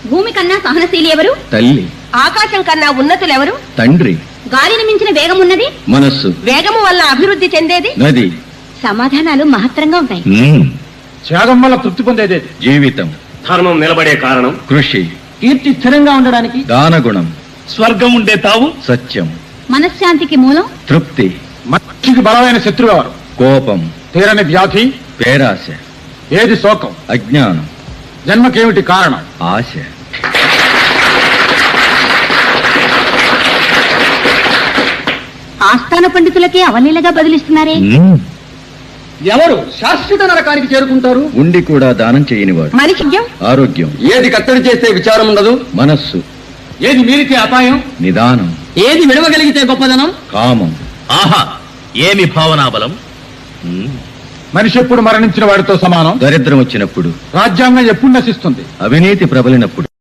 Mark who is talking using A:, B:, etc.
A: భూమి కన్నా సహనశీలి ఎవరు?
B: తల్లి.
A: ఆకాశం కన్నా ఉన్నతులెవరు?
B: తండ్రి.
A: గాలిని మించిన వేగం ఉన్నది?
B: మనస్సు.
A: వేగము వల్ల అభివృద్ధి చెందేది?
B: నది.
A: సమాధానాలు మహత్తరంగా ఉంటాయి.
C: త్యాగం వల్ల తృప్తి పొందేది?
B: జీవితం.
D: ధర్మం నిలబడే కారణం?
B: కృషి.
C: కీర్తి స్థిరంగా ఉండడానికి?
B: దానగుణం.
D: స్వర్గం ఉండే తావు?
B: సత్యం.
A: మనశ్శాంతికి మూలం?
B: తృప్తి.
C: మనిషికి బలమైన శత్రువు ఎవరు?
B: కోపం.
C: తీరని వ్యాధి?
B: పేరాశ.
C: ఏది శోకం?
B: అజ్ఞానం.
C: జన్మకేమిటి కారణం?
B: ఆశ.
A: ఆస్థాన పండితులకే అవలీలగా బదిలిస్తున్నారే.
C: ఎవరు శాశ్వత నరకానికి చేరుకుంటారు?
B: ఉండి కూడా దానం చేయనివాడు.
A: మనిషి
B: ఆరోగ్యం.
C: ఏది కత్తడి చేస్తే విచారం ఉండదు?
B: మనస్సు.
C: ఏది మీరితే అపాయం?
B: నిదానం.
C: ఏది విడవగలిగితే గొప్పదనం?
B: కామం.
D: ఆహా, ఏమి భావనాబలం!
C: మనిషి ఎప్పుడు మరణించిన వాడితో సమానం?
B: దరిద్రం వచ్చినప్పుడు.
C: రాజ్యాంగం ఎప్పుడు నశిస్తుంది?
B: అవినీతి ప్రబలినప్పుడు.